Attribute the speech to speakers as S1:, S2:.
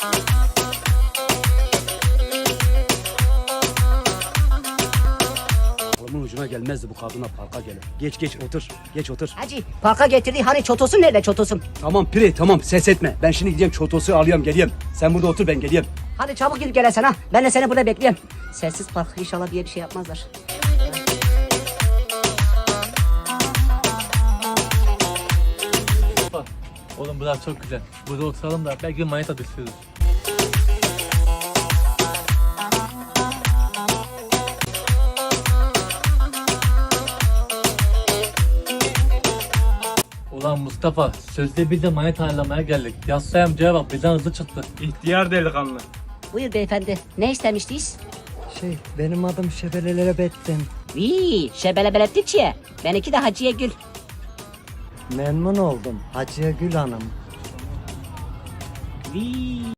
S1: Kolumun ucuna gelmezdi bu kadına parka gelir. Geç otur. Geç otur.
S2: Hacı parka getirdi hani çotosun nerede çotosun?
S1: Tamam Pire tamam ses etme. Ben şimdi gideyim çotosu alıyorum geleyim. Sen burada otur ben geleyim.
S2: Hadi çabuk gidip gelesen ha. Ben de seni burada bekleyeyim. Sessiz park inşallah diye bir şey yapmazlar.
S3: Bak, oğlum burası çok güzel. Burada oturalım da belki manita düşürürüz. Ulan Mustafa, sözde biz de manita ayarlamaya geldik. Yassı amcaya bak bizden hızlı çıktı.
S4: İhtiyar delikanlı.
S2: Buyur beyefendi. Ne istemiştiniz?
S5: Benim adım Şebelelere Bettin.
S2: Vii şebelebeletiçiye. Benimki de Hacıye Gül.
S5: Memnun oldum Hacıya Gül Hanım.
S2: Vii.